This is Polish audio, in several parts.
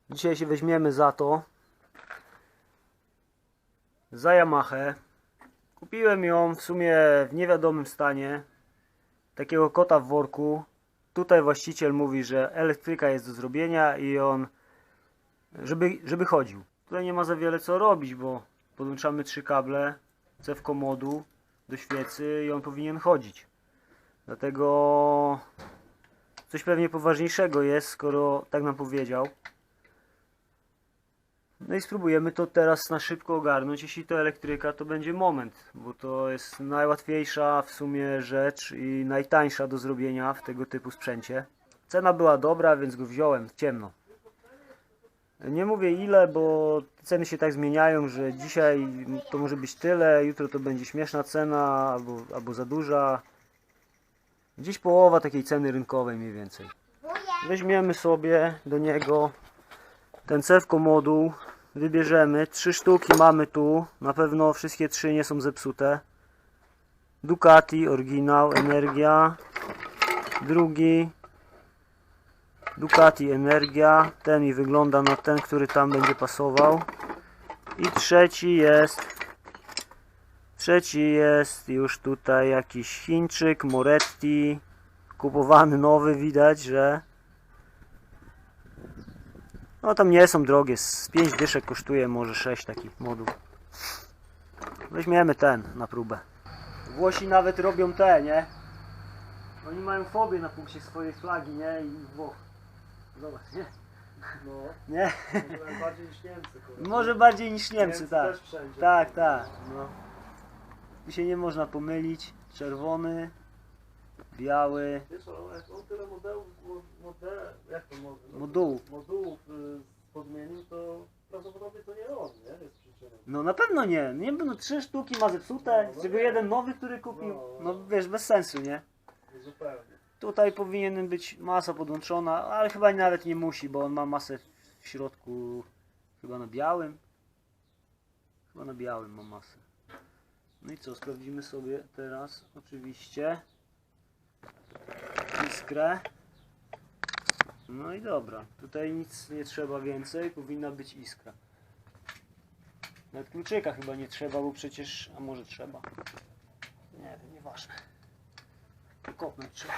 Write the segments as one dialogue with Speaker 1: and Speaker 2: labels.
Speaker 1: Dzisiaj się weźmiemy za to, za Yamahę. Kupiłem ją w sumie w niewiadomym stanie, takiego kota w worku. Tutaj właściciel mówi, że elektryka jest do zrobienia i on, żeby chodził. Tutaj nie ma za wiele co robić, bo podłączamy 3 kable cewko modu do świecy i on powinien chodzić. Dlatego coś pewnie poważniejszego jest, skoro tak nam powiedział. No i spróbujemy to teraz na szybko ogarnąć. Jeśli to elektryka, to będzie moment, bo to jest najłatwiejsza w sumie rzecz i najtańsza do zrobienia w tego typu sprzęcie. Cena była dobra, więc go wziąłem w ciemno. Nie mówię ile, bo ceny się tak zmieniają, że dzisiaj to może być tyle, jutro to będzie śmieszna cena albo za duża. Gdzieś połowa takiej ceny rynkowej mniej więcej. Weźmiemy sobie do niego ten cewko moduł, wybierzemy, 3 sztuki mamy tu, na pewno wszystkie 3 nie są zepsute. Ducati, oryginał, Energia, drugi Ducati, Energia, ten mi wygląda na ten, który tam będzie pasował. I trzeci jest już tutaj jakiś Chińczyk, Moretti, kupowany nowy, widać, że no tam nie są drogie, z 5 dyszek kosztuje, może 6 takich moduł. Weźmiemy ten na próbę. Włosi nawet robią te, nie? Oni mają fobię na punkcie swojej flagi, nie? I Włoch. Zobacz, nie?
Speaker 2: No,
Speaker 1: Nie?
Speaker 2: może bardziej niż Niemcy, kurde.
Speaker 1: Może bardziej niż Niemcy, tak.
Speaker 2: Też wszędzie.
Speaker 1: Tak, tak. No. Tu się nie można pomylić. Czerwony, biały,
Speaker 2: Wiesz, ale jak on tyle modułów, jak to
Speaker 1: modułów.
Speaker 2: podmienił, to prawdopodobnie to nie on, nie? Jest przyczyną.
Speaker 1: No na pewno nie. Nie, no 3 sztuki ma zepsute, z czego jeden nowy, który kupił. No wiesz, bez sensu, nie?
Speaker 2: Zupełnie.
Speaker 1: Tutaj powinien być masa podłączona, ale chyba nawet nie musi, bo on ma masę w środku, chyba na białym. Chyba na białym ma masę. No i co, sprawdzimy sobie teraz oczywiście iskrę. No i dobra, tutaj nic nie trzeba więcej, powinna być iskra. Nawet kluczyka chyba nie trzeba, bo przecież, a może trzeba. Nie wiem, nieważne. Kopnąć trzeba.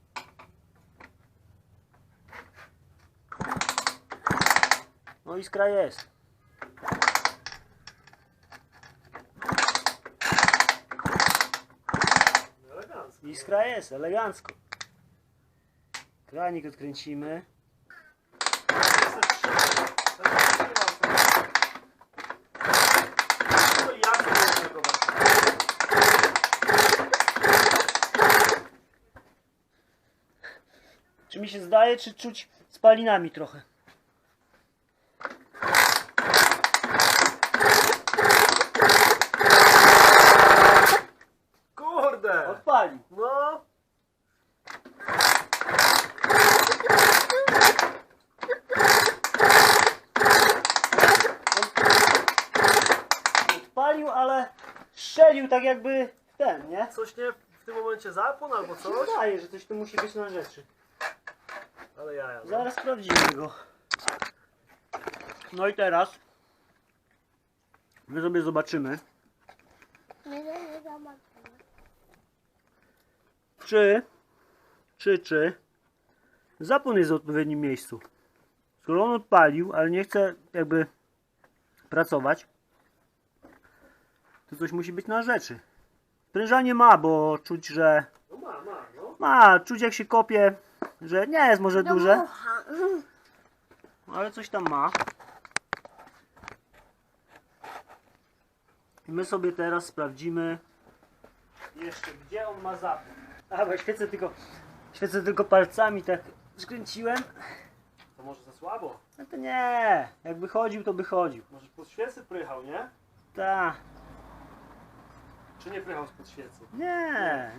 Speaker 1: No iskra jest.
Speaker 2: Elegancko.
Speaker 1: Iskra jest, elegancko. Kranik odkręcimy. Czy mi się zdaje, czy czuć spalinami trochę?
Speaker 2: Kurde!
Speaker 1: Odpalił.
Speaker 2: No!
Speaker 1: Odpalił, ale strzelił tak jakby w ten, nie?
Speaker 2: Coś nie w tym momencie zapłon albo coś?
Speaker 1: Wydaje, że coś tu musi być na rzeczy.
Speaker 2: Ale jaja. No.
Speaker 1: Zaraz sprawdzimy go. No i teraz my sobie zobaczymy, czy zapłon jest w odpowiednim miejscu. Skoro on odpalił, ale nie chce jakby pracować, to coś musi być na rzeczy. Sprężanie ma, bo czuć, że
Speaker 2: No no.
Speaker 1: ma, czuć jak się kopie, że nie jest może duże, ale coś tam ma. I my sobie teraz sprawdzimy jeszcze, gdzie on ma zapłon. A, bo świecę tylko palcami, tak skręciłem.
Speaker 2: To może za słabo?
Speaker 1: No to nie, jakby chodził, to by chodził.
Speaker 2: Może pod świecy prychał, nie?
Speaker 1: Ta,
Speaker 2: Czy nie prychał spod świecy?
Speaker 1: nie.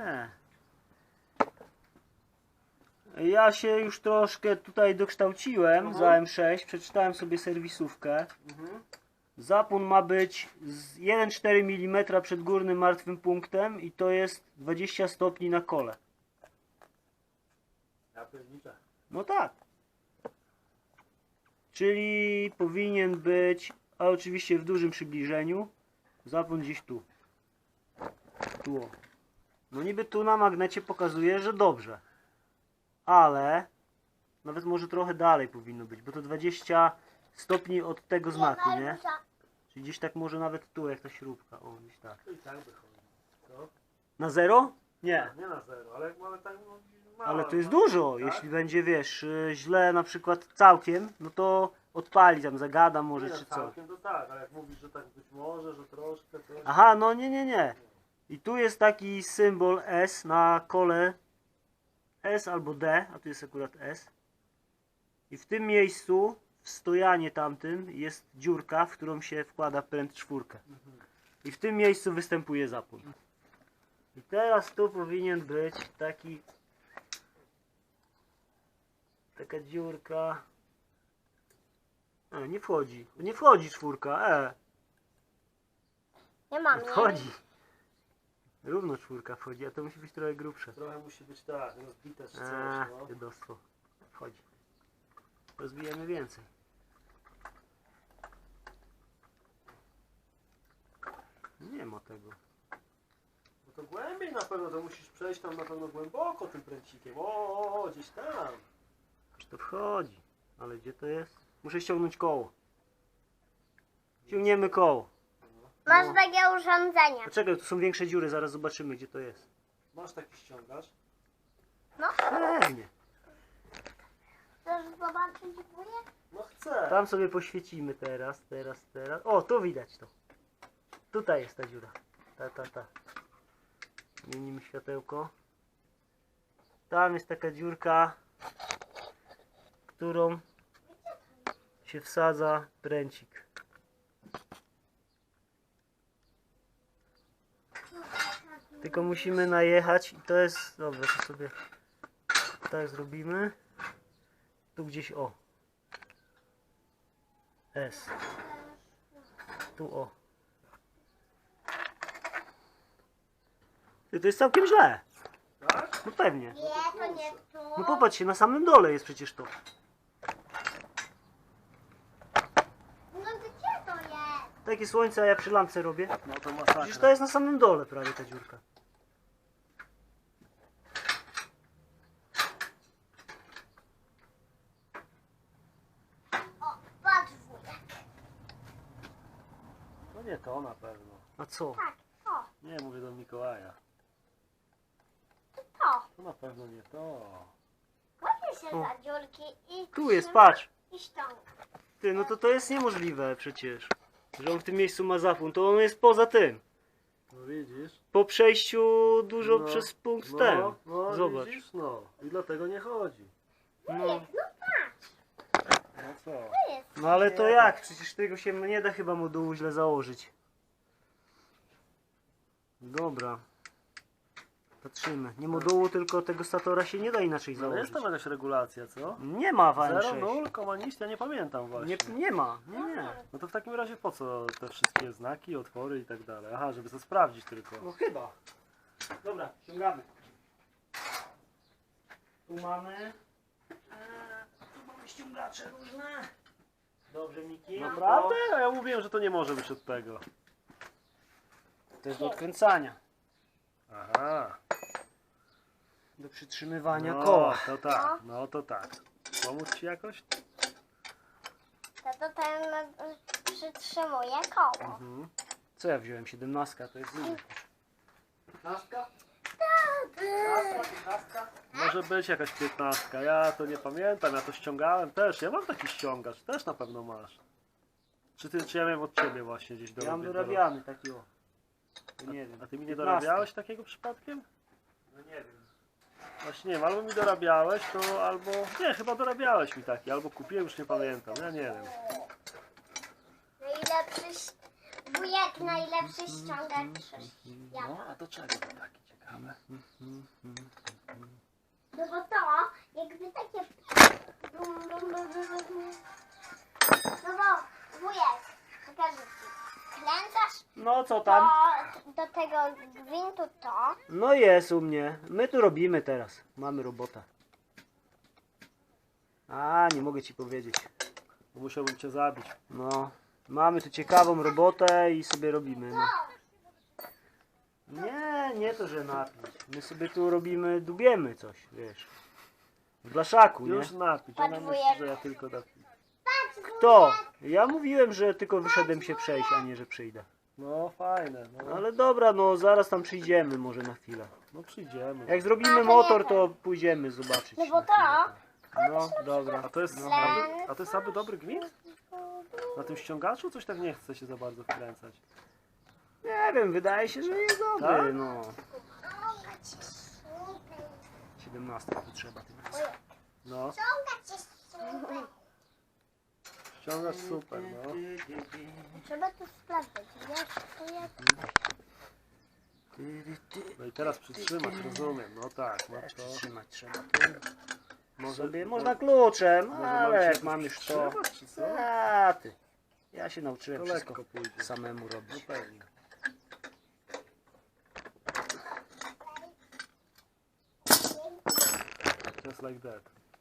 Speaker 1: Ja się już troszkę tutaj dokształciłem za M6, przeczytałem sobie serwisówkę. Zapłon ma być z 1,4 mm przed górnym martwym punktem i to jest 20 stopni na kole.
Speaker 2: Ja pierniczę.
Speaker 1: No tak. Czyli powinien być, a oczywiście w dużym przybliżeniu, zapłon gdzieś tu. Tu o. No niby tu na magnecie pokazuje, że dobrze. Ale nawet może trochę dalej powinno być, bo to 20 stopni od tego znaku, nie? Czyli gdzieś tak może nawet tu, jak ta śrubka. O, gdzieś tak.
Speaker 2: To i tak wychodzi. Co?
Speaker 1: Na 0?
Speaker 2: Nie, nie na 0, ale jak mamy tak no, mało,
Speaker 1: Ale to jest
Speaker 2: no,
Speaker 1: dużo.
Speaker 2: tak?
Speaker 1: Jeśli będzie, wiesz, źle na przykład całkiem, no to odpali tam, zagada może
Speaker 2: Nie,
Speaker 1: czy
Speaker 2: no,
Speaker 1: co.
Speaker 2: całkiem to tak, ale jak mówisz, że tak być może, że troszkę, to...
Speaker 1: Aha, no nie. I tu jest taki symbol S na kole S albo D, a tu jest akurat S. I w tym miejscu, w stojanie tamtym, jest dziurka, w którą się wkłada pręt 4. I w tym miejscu występuje zapłon. I teraz tu powinien być taka dziurka. Nie wchodzi. Nie wchodzi 4.
Speaker 3: Nie mam,
Speaker 1: Nie
Speaker 3: nie?
Speaker 1: wchodzi. Równo 4 wchodzi, a to musi być trochę grubsze.
Speaker 2: Trochę musi być tak, rozbite czy coś, no.
Speaker 1: Dziadostwo. Wchodzi. Rozbijemy więcej. Nie ma tego.
Speaker 2: No to głębiej na pewno, to musisz przejść tam na pewno głęboko tym pręcikiem. O, gdzieś tam.
Speaker 1: Aż to wchodzi. Ale gdzie to jest? Muszę ściągnąć koło. Ciągniemy koło.
Speaker 3: Masz takie urządzenie.
Speaker 1: Poczekaj, tu są większe dziury, zaraz zobaczymy gdzie to jest.
Speaker 2: Masz taki ściągacz?
Speaker 1: Pewnie.
Speaker 3: Chcesz zobaczyć górę?
Speaker 2: No chcę.
Speaker 1: Tam sobie poświecimy teraz. O, tu widać to. Tutaj jest ta dziura. Ta. Zmienimy światełko. Tam jest taka dziurka, którą się wsadza pręcik. Tylko musimy najechać i to jest... Dobra, to sobie tak zrobimy. Tu gdzieś o. S. Tu o. Ty, to jest całkiem źle.
Speaker 2: Tak?
Speaker 1: No pewnie.
Speaker 3: Nie, to nie tu.
Speaker 1: No popatrz się, na samym dole jest przecież to.
Speaker 3: No gdzie to jest?
Speaker 1: Takie słońce, a ja przy lampce robię.
Speaker 2: No to
Speaker 1: Przecież to
Speaker 2: masakra.
Speaker 1: jest na samym dole prawie ta dziurka.
Speaker 3: O, patrz wujek.
Speaker 2: No nie to na pewno.
Speaker 1: A co?
Speaker 3: Tak, to,
Speaker 2: Nie, mówię do Mikołaja.
Speaker 3: to.
Speaker 2: To na pewno nie to.
Speaker 3: Łapię się
Speaker 1: O.
Speaker 3: za dziurki i
Speaker 1: Tu jest,
Speaker 3: trzymam
Speaker 1: patrz.
Speaker 3: I ściągam.
Speaker 1: Ty, no to jest niemożliwe przecież. Że on w tym miejscu ma zapłon, to on jest poza tym.
Speaker 2: No widzisz?
Speaker 1: Po przejściu dużo
Speaker 2: No,
Speaker 1: przez punkt
Speaker 2: no,
Speaker 1: ten.
Speaker 2: no,
Speaker 1: Zobacz.
Speaker 2: Widzisz? No. I dlatego nie chodzi.
Speaker 1: No,
Speaker 3: No patrz,
Speaker 2: No co?
Speaker 3: to jest.
Speaker 1: no ale to jak? Przecież tego się nie da chyba modułu źle założyć. Dobra. Patrzymy. Nie modułu, tylko tego statora się nie da inaczej
Speaker 2: No
Speaker 1: założyć.
Speaker 2: jest tam jakaś regulacja, co?
Speaker 1: Nie ma w
Speaker 2: 0,
Speaker 1: AM6.
Speaker 2: 0, koma nic, ja nie pamiętam właśnie.
Speaker 1: Nie ma. Nie.
Speaker 2: No to w takim razie po co te wszystkie znaki, otwory i tak dalej? Aha, żeby to sprawdzić tylko.
Speaker 1: No chyba. Dobra, ściągamy. Tu mamy. Tu mamy ściągacze różne. Dobrze, Miki.
Speaker 2: Naprawdę? A ja mówiłem, że to nie może być od tego.
Speaker 1: To jest do odkręcania.
Speaker 2: Aha.
Speaker 1: Do przytrzymywania
Speaker 2: No,
Speaker 1: koła.
Speaker 2: to tak, no to tak. Pomóc ci jakoś?
Speaker 3: To ten przytrzymuje koło.
Speaker 2: Mhm.
Speaker 1: Co ja wziąłem? 17, to jest inne.
Speaker 2: 15? Może być jakaś 15. Ja to nie pamiętam, ja to ściągałem też. Ja mam taki ściągacz, też na pewno masz. Czy ja miałem od ciebie właśnie gdzieś
Speaker 1: Ja mam
Speaker 2: dorobię-
Speaker 1: dorabiany taki o. To nie wiem.
Speaker 2: A ty mi nie
Speaker 1: 15.
Speaker 2: dorabiałeś takiego przypadkiem?
Speaker 1: No nie wiem.
Speaker 2: Właśnie nie wiem, albo mi dorabiałeś, to albo... Nie, chyba dorabiałeś mi taki, albo kupiłem, już nie pamiętam, ja nie wiem.
Speaker 3: Wujek najlepszy ściągacz. Ja.
Speaker 2: No, a do czego to taki ciekawe?
Speaker 3: No bo to jakby takie... No bo wujek, pokażę ci. Kręcasz
Speaker 1: No co tam?
Speaker 3: do tego gwintu to.
Speaker 1: No jest u mnie. My tu robimy teraz. Mamy robota. A, nie mogę ci powiedzieć.
Speaker 2: Musiałbym cię zabić.
Speaker 1: No, mamy tu ciekawą robotę i sobie robimy. No. Nie to, że napić. My sobie tu robimy, dubiemy coś, wiesz. W blaszaku, nie?
Speaker 2: Już napić. Ona myśli, że ja tylko napić.
Speaker 1: Kto? Ja mówiłem, że tylko wyszedłem się przejść, a nie, że przyjdę.
Speaker 2: No fajne. No,
Speaker 1: Ale dobra, no zaraz tam przyjdziemy może na chwilę.
Speaker 2: no przyjdziemy.
Speaker 1: Jak zrobimy motor, to pójdziemy zobaczyć.
Speaker 3: No bo
Speaker 1: na chwilę.
Speaker 3: to...
Speaker 1: No, dobra.
Speaker 2: A to jest,
Speaker 1: No.
Speaker 2: a to jest aby dobry gwint? Na tym ściągaczu coś tak nie chce się za bardzo wkręcać.
Speaker 1: Nie wiem, wydaje się, że jest dobry,
Speaker 2: Tak?
Speaker 1: no. 17 tu trzeba tym razem.
Speaker 2: No, ściągacz super, no.
Speaker 3: Trzeba to sprawdzić, wiesz, to jest...
Speaker 2: No i teraz przytrzymać, rozumiem. No tak, no to...
Speaker 1: Trzymać trzeba.
Speaker 2: Może,
Speaker 1: Sobie można kluczem,
Speaker 2: może
Speaker 1: ale
Speaker 2: mam się
Speaker 1: jak mam już to...
Speaker 2: przytrzymać, czy co?
Speaker 1: A ty. Ja się
Speaker 2: To
Speaker 1: nauczyłem wszystko
Speaker 2: lekko pójdzie.
Speaker 1: samemu
Speaker 2: No
Speaker 1: robić.
Speaker 2: pewnie. Just like that.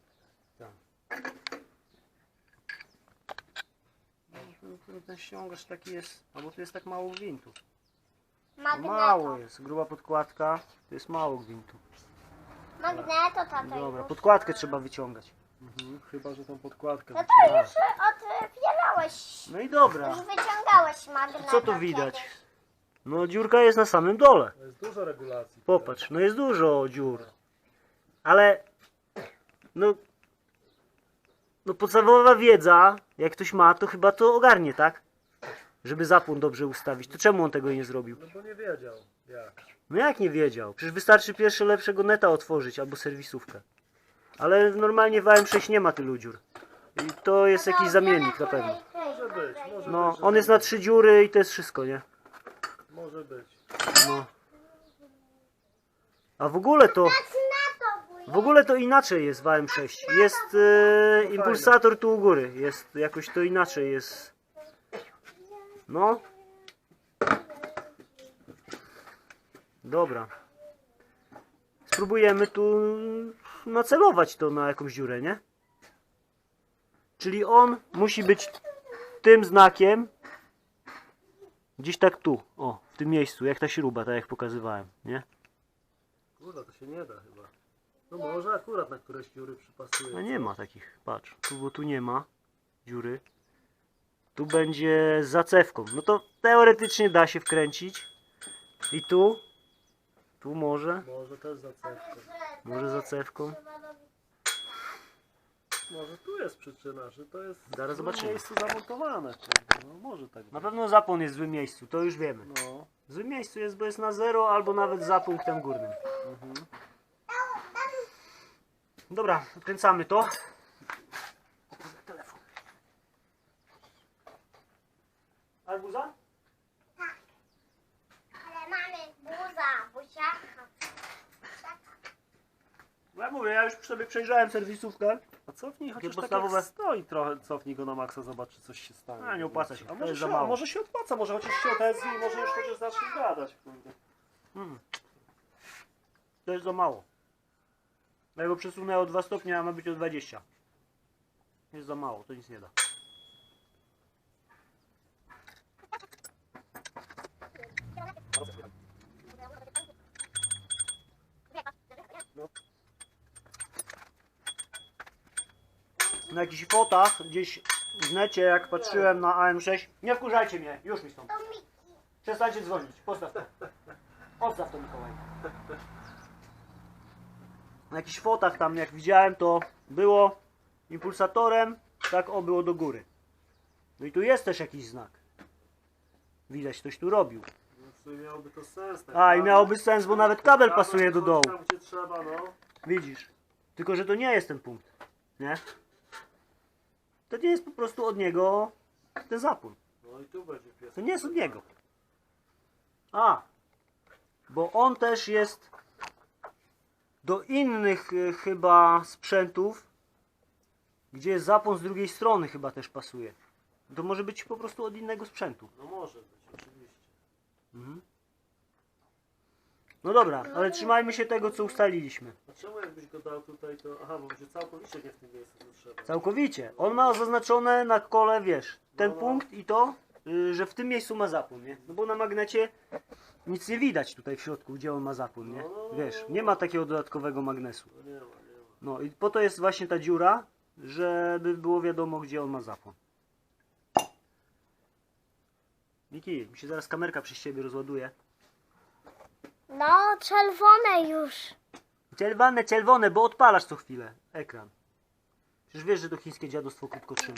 Speaker 1: Ten ściągacz taki jest, albo tu jest tak mało gwintu.
Speaker 3: Magneto.
Speaker 1: Mało jest, gruba podkładka, to jest mało gwintu.
Speaker 3: Magneto, tato.
Speaker 1: Dobra,
Speaker 3: już.
Speaker 1: podkładkę trzeba wyciągać.
Speaker 2: Chyba, że tą podkładkę...
Speaker 3: No to już otwierałeś.
Speaker 1: No i dobra,
Speaker 3: Już wyciągałeś magneto.
Speaker 1: co tu widać?
Speaker 3: kiedyś.
Speaker 1: No dziurka jest na samym dole.
Speaker 2: To jest dużo regulacji.
Speaker 1: Popatrz, no jest dużo dziur. Ale, no podstawowa wiedza, jak ktoś ma, to chyba to ogarnie, tak? Żeby zapłon dobrze ustawić. To czemu on tego nie zrobił?
Speaker 2: No bo nie wiedział jak.
Speaker 1: No jak nie wiedział? Przecież wystarczy pierwsze lepszego neta otworzyć albo serwisówkę. Ale normalnie w AM6 nie ma tylu dziur. I to jest jakiś zamiennik na pewno.
Speaker 2: Może być, może
Speaker 1: No,
Speaker 2: być.
Speaker 1: on jest na 3 dziury i to jest wszystko, nie?
Speaker 2: Może być.
Speaker 1: No. A w ogóle to inaczej jest w AM6. Jest impulsator tu u góry. Jest jakoś to inaczej jest. No. Dobra. Spróbujemy tu nacelować to na jakąś dziurę, nie? Czyli on musi być tym znakiem gdzieś tak tu, o, w tym miejscu, jak ta śruba, tak jak pokazywałem, nie?
Speaker 2: Kurde, to się nie da chyba. No może akurat na któreś dziury przypasuje.
Speaker 1: No nie ma takich, patrz, tu, bo tu nie ma dziury. Tu będzie z zacewką. No to teoretycznie da się wkręcić. I tu może,
Speaker 2: Może też zacewkę.
Speaker 1: może zacewką.
Speaker 2: Może tu jest przyczyna, że to jest
Speaker 1: Zaraz
Speaker 2: w
Speaker 1: zobaczymy.
Speaker 2: złym miejscu zamontowane. Kurde. No może tak
Speaker 1: Na
Speaker 2: być.
Speaker 1: pewno zapłon jest w złym miejscu, to już wiemy.
Speaker 2: No.
Speaker 1: W złym miejscu jest, bo jest na 0 albo nawet za punktem górnym. Dobra, odkręcamy to. Telefon. Arbuza?
Speaker 3: Ale mamy buziaka.
Speaker 1: No ja mówię, ja już sobie przejrzałem serwisówkę.
Speaker 2: A cofnij chociaż tak
Speaker 1: podstawowe-
Speaker 2: jak stoi trochę, cofnij go na maksa, zobacz czy coś się stanie.
Speaker 1: A, nie opłaca się,
Speaker 2: A
Speaker 1: to
Speaker 2: może
Speaker 1: jest
Speaker 2: się,
Speaker 1: za mało.
Speaker 2: a może się opłaca, może chociaż się odezwie i może już chociaż zacznie gadać. Kurde.
Speaker 1: To jest za mało. Ja go przesunę o 2 stopnie, a ma być o 20. Jest za mało, to nic nie da. Na jakichś fotach gdzieś w necie, jak patrzyłem na AM6, nie wkurzajcie mnie, już mi stąd.
Speaker 3: To Miki.
Speaker 1: Przestańcie dzwonić, postaw to. Odstaw to, Mikołaj. Na jakichś fotach tam, jak widziałem, to było impulsatorem, tak o, było do góry. No i tu jest też jakiś znak. Widać, ktoś tu robił.
Speaker 2: No w sumie miałoby to sens. tak?
Speaker 1: A, i miałoby sens, bo nawet kabel
Speaker 2: Kabel
Speaker 1: pasuje do dołu.
Speaker 2: Tam gdzie trzeba, no.
Speaker 1: Widzisz? Tylko, że to nie jest ten punkt. Nie? To nie jest po prostu od niego ten zapłon.
Speaker 2: No i tu będzie pies.
Speaker 1: To nie jest od niego. A, bo on też jest do innych chyba sprzętów, gdzie jest zapłon z drugiej strony chyba też pasuje. To może być po prostu od innego sprzętu.
Speaker 2: No może być, oczywiście.
Speaker 1: Mhm. No dobra, ale trzymajmy się tego, co ustaliliśmy.
Speaker 2: A czemu jakbyś go dał tutaj, to... Aha, bo będzie całkowicie nie w tym miejscu, co trzeba.
Speaker 1: Całkowicie. On ma zaznaczone na kole, wiesz, ten
Speaker 2: No, no.
Speaker 1: punkt i to, że w tym miejscu ma zapłon, nie? No bo na magnecie nic nie widać tutaj w środku, gdzie on ma zapłon, nie? Wiesz, nie ma takiego dodatkowego magnesu.
Speaker 2: No nie ma, nie ma.
Speaker 1: No i po to jest właśnie ta dziura, żeby było wiadomo, gdzie on ma zapłon. Miki, mi się zaraz kamerka przy siebie rozładuje.
Speaker 3: No, czerwone już.
Speaker 1: Czerwone, bo odpalasz co chwilę ekran. Przecież wiesz, że to chińskie dziadostwo krótko trzyma.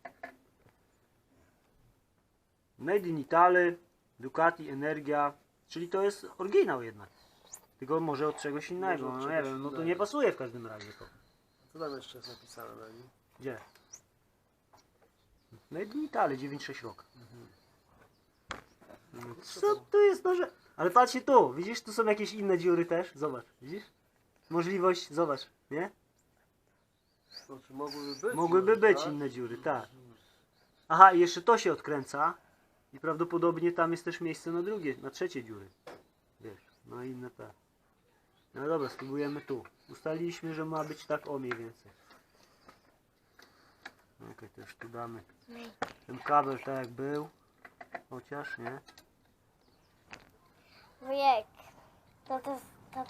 Speaker 1: Made in Italy, Ducati, Energia, czyli to jest oryginał jednak. Tylko może od czegoś innego,
Speaker 2: Może od
Speaker 1: no nie
Speaker 2: czegoś
Speaker 1: wiem, no to
Speaker 2: innego.
Speaker 1: nie pasuje w każdym razie to.
Speaker 2: Co tam jeszcze jest napisane na nim?
Speaker 1: Gdzie? Made in Italy, 96 rok. No, co tu jest noże? Ale patrzcie tu, widzisz, tu są jakieś inne dziury też, zobacz, widzisz? Możliwość, zobacz, nie?
Speaker 2: Znaczy mogłyby być.
Speaker 1: Mogłyby
Speaker 2: może,
Speaker 1: być
Speaker 2: tak?
Speaker 1: inne dziury, tak. Aha, i jeszcze to się odkręca i prawdopodobnie tam jest też miejsce na drugie, na trzecie dziury. Wiesz, no i inne te. No dobra, spróbujemy tu. Ustaliliśmy, że ma być tak o mniej więcej. Okej, też tu damy ten kabel tak jak był. Chociaż, nie?
Speaker 3: Wujek. To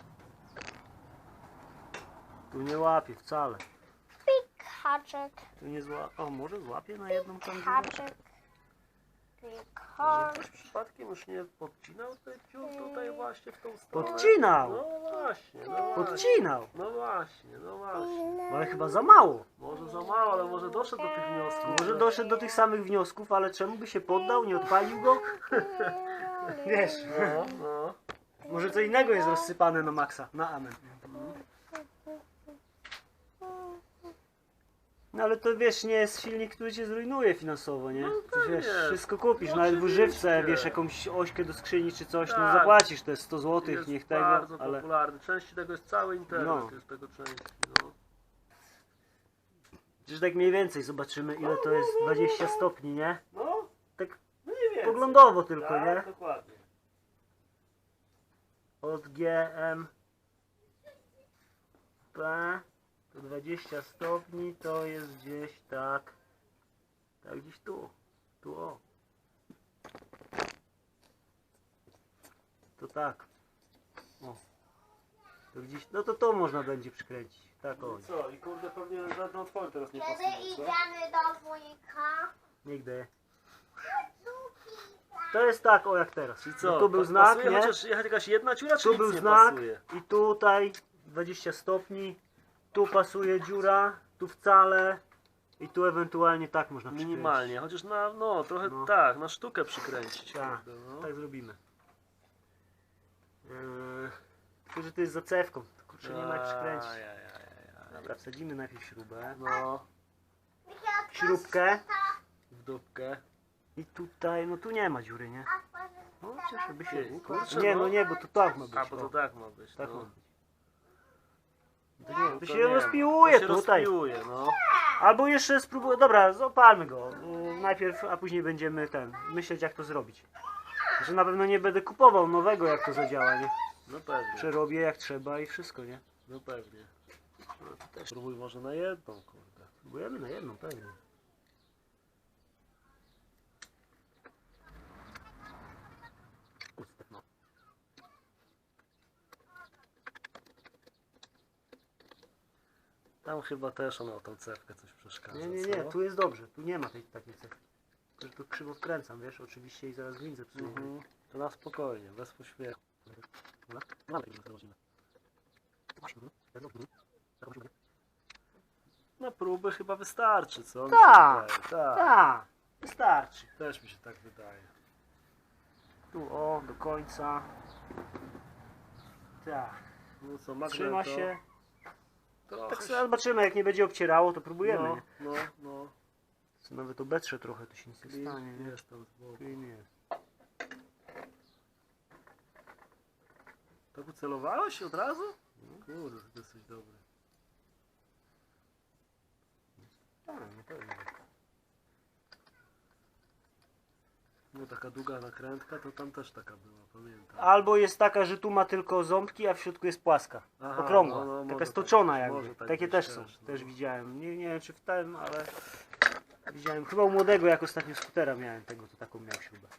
Speaker 1: Tu nie łapie wcale.
Speaker 3: pik, haczyk,
Speaker 1: Tu nie złapie. O, może złapie na jedną tam dziurę?
Speaker 3: haczyk. Pik,
Speaker 2: Może
Speaker 3: haczyk.
Speaker 2: ktoś przypadkiem już nie podcinał tych dziur tutaj właśnie w tą stronę?
Speaker 1: Podcinał!
Speaker 2: No właśnie, no właśnie.
Speaker 1: Podcinał!
Speaker 2: No właśnie, no właśnie.
Speaker 1: Ale chyba za mało.
Speaker 2: Może za mało, ale może doszedł do tych wniosków.
Speaker 1: Może doszedł do tych samych wniosków, ale czemu by się poddał, nie odpalił go? Wiesz,
Speaker 2: No, no.
Speaker 1: może co innego jest rozsypane na maksa, na amen. No ale to wiesz, nie jest silnik, który cię zrujnuje finansowo, nie? To wiesz,
Speaker 2: pewnie.
Speaker 1: wszystko kupisz,
Speaker 2: No
Speaker 1: nawet w
Speaker 2: oczywiście.
Speaker 1: używce, wiesz, jakąś ośkę do skrzyni czy coś, no
Speaker 2: Tak.
Speaker 1: zapłacisz te 100 zł,
Speaker 2: Jest
Speaker 1: niech tego,
Speaker 2: bardzo
Speaker 1: ale...
Speaker 2: popularny. Części tego jest cały internet,
Speaker 1: No.
Speaker 2: jest tego części, no.
Speaker 1: Przecież tak mniej więcej zobaczymy, ile to jest 20 stopni, nie?
Speaker 2: No,
Speaker 1: Tak
Speaker 2: mniej więcej.
Speaker 1: poglądowo tylko,
Speaker 2: Tak,
Speaker 1: nie?
Speaker 2: dokładnie.
Speaker 1: Od GM P to 20 stopni to jest gdzieś tak gdzieś tu o to tak o to gdzieś, no to można będzie przykręcić tak o,
Speaker 2: No i co? I kurde, pewnie żadną otwory teraz nie
Speaker 3: Kiedy
Speaker 2: pasuje, co?
Speaker 3: idziemy do wujka?
Speaker 1: nigdy to jest tak o jak teraz.
Speaker 2: I co?
Speaker 1: No tu był
Speaker 2: Pa-
Speaker 1: znak,
Speaker 2: pasuje
Speaker 1: nie?
Speaker 2: chociaż jakaś jedna dziura, czy
Speaker 1: Tu
Speaker 2: nic
Speaker 1: był
Speaker 2: nie
Speaker 1: znak
Speaker 2: pasuje?
Speaker 1: i tutaj 20 stopni, tu pasuje dziura, tu wcale i tu ewentualnie tak można przykręcić.
Speaker 2: Minimalnie, chociaż na, no, trochę
Speaker 1: No.
Speaker 2: tak, na sztukę przykręcić.
Speaker 1: Tak,
Speaker 2: kurde, no.
Speaker 1: tak zrobimy. Tylko, że to jest za cewką, to kurczę nie ma jak przykręcić.
Speaker 2: Ajajajaj.
Speaker 1: Dobra, wsadzimy najpierw śrubę,
Speaker 2: No,
Speaker 1: śrubkę
Speaker 2: w dupkę.
Speaker 1: i tutaj, no tu nie ma dziury, nie? No chociaż by się,
Speaker 2: Ty,
Speaker 1: kurczę, nie, no nie, bo to tak ma być.
Speaker 2: A, bo to
Speaker 1: o,
Speaker 2: tak ma być,
Speaker 1: tak ma
Speaker 2: no.
Speaker 1: być. To nie, to
Speaker 2: To
Speaker 1: się
Speaker 2: nie,
Speaker 1: rozpiłuje
Speaker 2: to się
Speaker 1: tutaj.
Speaker 2: rozpiłuje, no.
Speaker 1: Albo jeszcze spróbuję, dobra, zapalmy go najpierw, a później będziemy myśleć jak to zrobić. Że na pewno nie będę kupował nowego jak to zadziała, nie?
Speaker 2: No pewnie,
Speaker 1: Przerobię jak trzeba i wszystko, nie?
Speaker 2: no pewnie. No, to też spróbuj może na jedną, kurde.
Speaker 1: Próbujemy na jedną, pewnie. No.
Speaker 2: Tam chyba też ona o tą cewkę coś przeszkadza,
Speaker 1: Nie,
Speaker 2: co?
Speaker 1: tu jest dobrze, tu nie ma tej takiej cechy. Tylko, że tu krzywo wkręcam, wiesz, oczywiście i zaraz widzę psuję.
Speaker 2: Mhm. To na spokojnie, bez pośpiechu. Na próby chyba wystarczy, co? Mi się
Speaker 1: Tak,
Speaker 2: wydaje, tak.
Speaker 1: Tak, wystarczy.
Speaker 2: Też mi się tak wydaje.
Speaker 1: Tu o, do końca. Tak,
Speaker 2: No co, magneto.
Speaker 1: trzyma się.
Speaker 2: Trochę
Speaker 1: Tak
Speaker 2: się-
Speaker 1: sobie zobaczymy, jak nie będzie obcierało, to próbujemy.
Speaker 2: No,
Speaker 1: nie?
Speaker 2: no.
Speaker 1: Nawet obetrze trochę, to się nic nie
Speaker 2: Klin
Speaker 1: stanie. Nie?
Speaker 2: jest tam z boku.
Speaker 1: Klin jest.
Speaker 2: Tak ucelowałeś od razu? No, kurde, to jesteś dobry.
Speaker 1: Tak, na pewno.
Speaker 2: No taka długa nakrętka, to tam też taka była, pamiętam.
Speaker 1: Albo jest taka, że tu ma tylko ząbki, a w środku jest płaska.
Speaker 2: Aha,
Speaker 1: Okrągła.
Speaker 2: no,
Speaker 1: Taka
Speaker 2: może
Speaker 1: stoczona
Speaker 2: tak być,
Speaker 1: jakby.
Speaker 2: może tak
Speaker 1: Takie
Speaker 2: być
Speaker 1: też są.
Speaker 2: też, no.
Speaker 1: Też widziałem. Nie wiem czy w tym, ale widziałem. Chyba u młodego, jak ostatnio skutera miałem tego, to taką miał śrubę.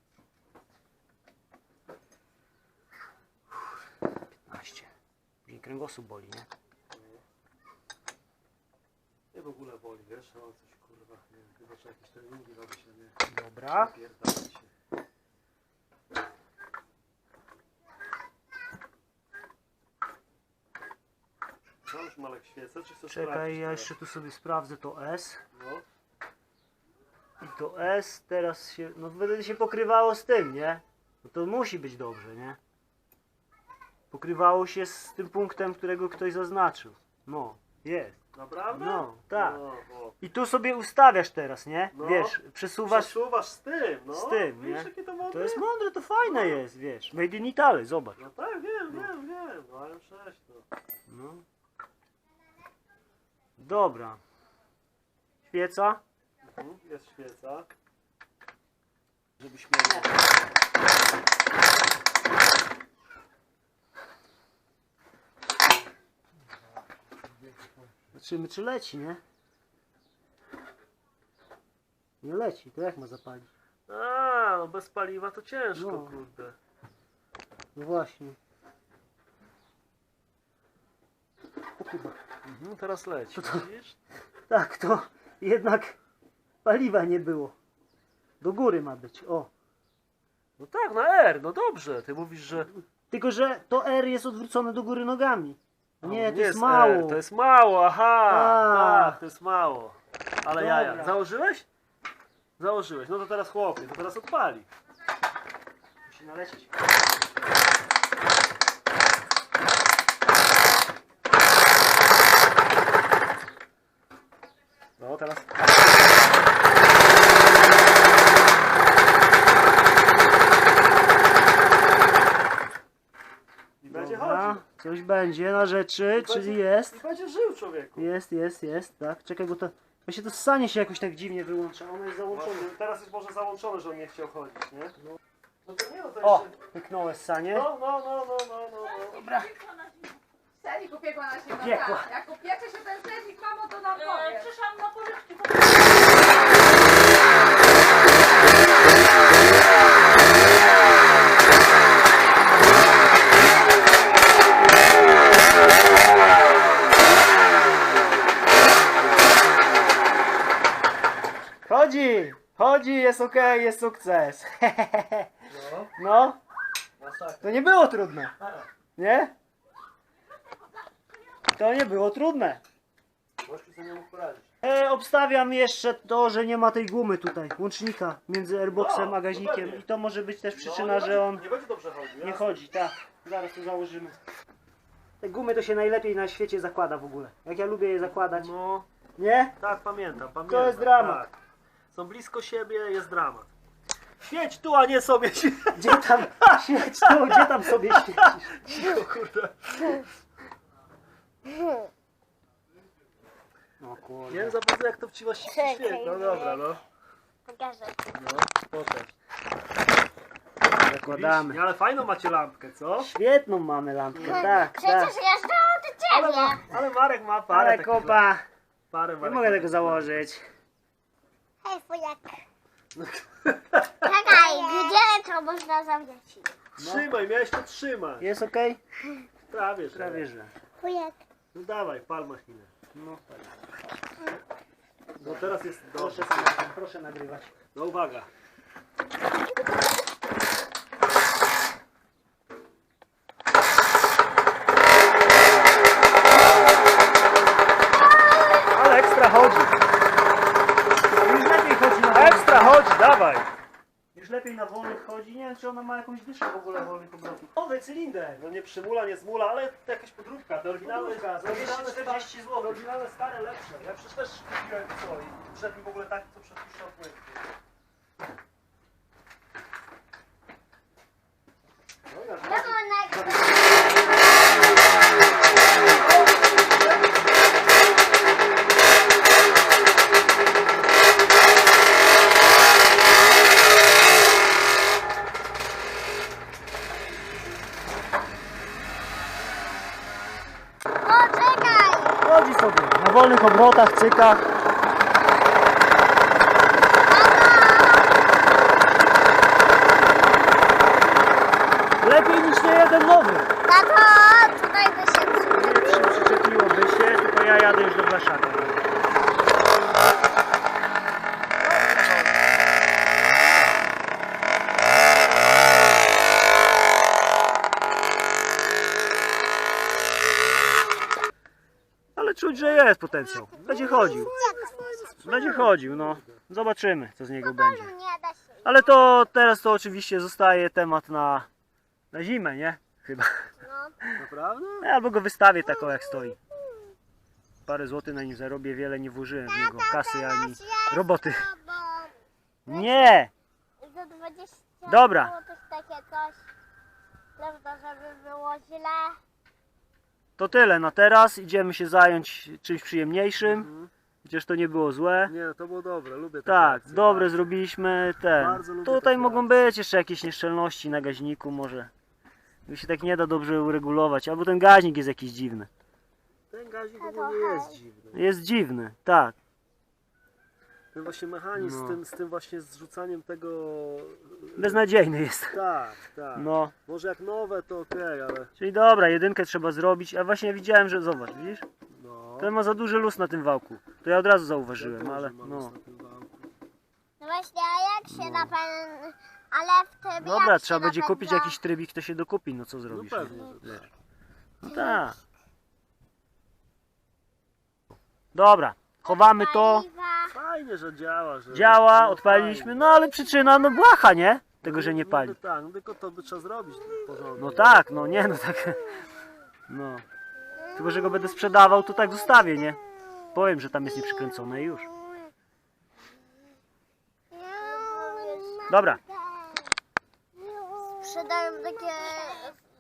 Speaker 1: 15. Później kręgosłup boli, nie?
Speaker 2: Nie w ogóle boli, wiesz, no coś kurwa, nie wiem, chyba trzeba jakieś treningi robić, a nie
Speaker 1: Dobra.
Speaker 2: napierdalać się. No już Malek świecę, czy chcesz
Speaker 1: Czekaj,
Speaker 2: sprawdzić
Speaker 1: ja
Speaker 2: teraz?
Speaker 1: jeszcze tu sobie sprawdzę to S.
Speaker 2: No,
Speaker 1: I to S teraz się, no wtedy się pokrywało z tym, nie? No to musi być dobrze, nie? Pokrywało się z tym punktem, którego ktoś zaznaczył. No, jest.
Speaker 2: naprawdę?
Speaker 1: No, tak.
Speaker 2: No, bo
Speaker 1: I tu sobie ustawiasz teraz, nie?
Speaker 2: No.
Speaker 1: Wiesz, przesuwasz.
Speaker 2: przesuwasz z tym, no.
Speaker 1: Z tym,
Speaker 2: Widzisz,
Speaker 1: nie?
Speaker 2: jakie to mądre?
Speaker 1: To jest mądre, to fajne jest, wiesz. Made in Italy, zobacz.
Speaker 2: No tak, wiem, no ale przecież to.
Speaker 1: No. Dobra. Świeca.
Speaker 2: Jest świeca. Żebyś miał...
Speaker 1: Zobaczymy, czy leci, nie? Nie leci, to jak ma zapalić?
Speaker 2: A, no bez paliwa to ciężko,
Speaker 1: No.
Speaker 2: kurde.
Speaker 1: No właśnie. O kurwa.
Speaker 2: Teraz leci,
Speaker 1: To-
Speaker 2: widzisz?
Speaker 1: Tak, to jednak paliwa nie było. Do góry ma być, o.
Speaker 2: No tak, na R, no dobrze. Ty mówisz, że...
Speaker 1: Tylko, że to R jest odwrócone do góry nogami.
Speaker 2: A,
Speaker 1: Nie, to jest mało.
Speaker 2: R, to jest mało, aha.
Speaker 1: A.
Speaker 2: Tak, to jest mało. Ale
Speaker 1: Dobra.
Speaker 2: jaja. Założyłeś? Założyłeś. No to teraz chłopie, to teraz odpali.
Speaker 1: Musi nalecieć.
Speaker 2: No teraz... I będzie
Speaker 1: Dobra,
Speaker 2: chodził.
Speaker 1: coś będzie na rzeczy, czyli jest.
Speaker 2: I będzie żył, człowieku.
Speaker 1: Jest, tak. Czekaj, bo to... Właśnie to ssanie się jakoś tak dziwnie wyłącza, ono jest załączone.
Speaker 2: Właśnie, teraz jest może załączone, że on nie chciał chodzić, nie? No to nie, no to
Speaker 1: O,
Speaker 2: jeszcze...
Speaker 1: pyknąłeś ssanie.
Speaker 2: No.
Speaker 1: Dobra.
Speaker 4: Sernik upiekła na siebie.
Speaker 1: Upiekła.
Speaker 4: Tak. Jak upiecze się ten sernik, mamo, to nam powie.
Speaker 5: Przyszłam na pożyczki.
Speaker 1: Chodzi, jest okej, jest sukces.
Speaker 2: No,
Speaker 1: No,
Speaker 2: masakra.
Speaker 1: to nie było trudne, nie? To nie było trudne.
Speaker 2: Gościu sobie nie mógł poradzić.
Speaker 1: Obstawiam jeszcze to, że nie ma tej gumy tutaj, łącznika między airboxem
Speaker 2: No,
Speaker 1: a gaźnikiem
Speaker 2: dokładnie.
Speaker 1: i to może być też przyczyna,
Speaker 2: nie
Speaker 1: że
Speaker 2: będzie,
Speaker 1: on
Speaker 2: nie będzie dobrze chodził.
Speaker 1: nie
Speaker 2: jasne.
Speaker 1: chodzi, tak. Zaraz to założymy. Te gumy to się najlepiej na świecie zakłada w ogóle. Jak ja lubię je zakładać.
Speaker 2: No,
Speaker 1: Nie?
Speaker 2: tak, pamiętam.
Speaker 1: To jest dramat.
Speaker 2: Tak. Są blisko siebie, jest dramat. Świeć tu, a nie sobie się.
Speaker 1: Gdzie tam świeć tu, gdzie tam sobie świecisz?
Speaker 2: Cicho, kurde.
Speaker 1: No
Speaker 2: Nie
Speaker 1: kurde.
Speaker 2: wiem za bardzo jak to ci właściwie
Speaker 3: Czekaj,
Speaker 2: świeci. No dobra, no.
Speaker 3: Pokażę.
Speaker 2: No, pokaż.
Speaker 1: Zakładamy.
Speaker 2: Widzisz? Ale fajną macie lampkę, co?
Speaker 1: Świetną mamy lampkę, tak, tak.
Speaker 3: Przecież jeżdżało do ciebie.
Speaker 2: Ale Marek ma parę
Speaker 1: Ale
Speaker 2: takich
Speaker 1: kopa,
Speaker 2: Parę
Speaker 1: nie
Speaker 2: Marek
Speaker 1: mogę
Speaker 2: ma
Speaker 1: tego
Speaker 2: takich
Speaker 1: założyć.
Speaker 3: Hej, fujak. Czekaj, gdzie to można zawiesić?
Speaker 2: Trzymaj, miałeś to trzymać.
Speaker 1: Jest okej?
Speaker 2: Prawie, że.
Speaker 1: Prawie że.
Speaker 3: Fujak.
Speaker 2: No dawaj, pal machinę.
Speaker 1: No,
Speaker 2: No teraz jest dobrze.
Speaker 1: proszę nagrywać.
Speaker 2: No uwaga.
Speaker 1: Ale ekstra chodzi. Już lepiej chodzi na
Speaker 2: Ekstra, chodź, dawaj.
Speaker 1: Już lepiej na wolnych chodzi. Nie wiem, czy ona ma jakąś dyszę w ogóle wolnych obrotów. Nowy cylinder.
Speaker 2: No nie przymula, nie zmula, ale to jakaś podróbka. Te oryginalne,
Speaker 1: Podróbka, za 240
Speaker 2: te
Speaker 1: zł.
Speaker 2: oryginalne stare lepsze. Ja przecież też kupiłem co i wszedł mi w ogóle taki, co przepuszczał płyn. No, ja
Speaker 1: cyka. Lepiej niż nie jeden nowy.
Speaker 3: Tato, tutaj by się
Speaker 1: Przyczepiłoby się, tylko ja jadę już do Blaszaka. Ale czuć, że jest potencjał. Będzie chodził. Będzie chodził, no. Zobaczymy, co z niego będzie.
Speaker 3: nie da się.
Speaker 1: Ale to teraz to oczywiście zostaje temat na zimę, nie? Chyba.
Speaker 2: Naprawdę?
Speaker 1: Albo go wystawię tak o jak stoi. Parę złotych na nim zarobię, wiele nie włożyłem w niego kasy ani roboty. Nie!
Speaker 3: Za 20
Speaker 1: Dobra.
Speaker 3: złotych takie coś. Prawda, żeby było źle.
Speaker 1: To tyle na teraz. Idziemy się zająć czymś przyjemniejszym. Chociaż to nie było złe.
Speaker 2: Nie, to było dobre, lubię takie
Speaker 1: Tak,
Speaker 2: akcje.
Speaker 1: dobre zrobiliśmy.
Speaker 2: Bardzo lubię
Speaker 1: Tutaj
Speaker 2: takie
Speaker 1: mogą
Speaker 2: akcje.
Speaker 1: być jeszcze jakieś nieszczelności na gaźniku może. Tu się tak nie da dobrze uregulować. Albo ten gaźnik jest jakiś dziwny.
Speaker 2: Ten gazik ogólnie jest dziwny.
Speaker 1: Jest dziwny, tak.
Speaker 2: Ten właśnie mechanizm
Speaker 1: No.
Speaker 2: z tym właśnie zrzucaniem tego...
Speaker 1: Beznadziejny jest.
Speaker 2: Tak, tak.
Speaker 1: No.
Speaker 2: Może jak nowe to okej, ale...
Speaker 1: Czyli dobra, jedynkę trzeba zrobić. A właśnie widziałem, że zobacz, widzisz?
Speaker 2: No.
Speaker 1: Ten ma za duży luz na tym wałku. To ja od razu
Speaker 2: Ja
Speaker 1: zauważyłem,
Speaker 2: też
Speaker 1: ale
Speaker 2: mam
Speaker 1: no.
Speaker 2: na tym wałku.
Speaker 3: No właśnie, a jak się napędza? Ale w tym
Speaker 1: Dobra,
Speaker 3: jak
Speaker 1: trzeba
Speaker 3: się
Speaker 1: będzie kupić
Speaker 3: napędza?
Speaker 1: jakiś trybik, to się dokupi, no co
Speaker 2: No
Speaker 1: zrobisz?
Speaker 2: pewnie,
Speaker 1: nie?
Speaker 2: że tak.
Speaker 1: No tak. Dobra, chowamy to.
Speaker 3: Paliwa.
Speaker 2: Fajnie, że działa, że...
Speaker 1: Działa,
Speaker 2: no,
Speaker 1: odpaliliśmy,
Speaker 2: fajnie.
Speaker 1: no ale przyczyna, no błaha, nie? Tego, że nie
Speaker 2: No,
Speaker 1: pali.
Speaker 2: no, tak, no tylko to by trzeba zrobić porządnie.
Speaker 1: No tak, no nie, no tak. No. Tylko, że go będę sprzedawał, to tak zostawię, nie? Powiem, że tam jest nieprzykręcone i już. Dobra.
Speaker 3: Sprzedają takie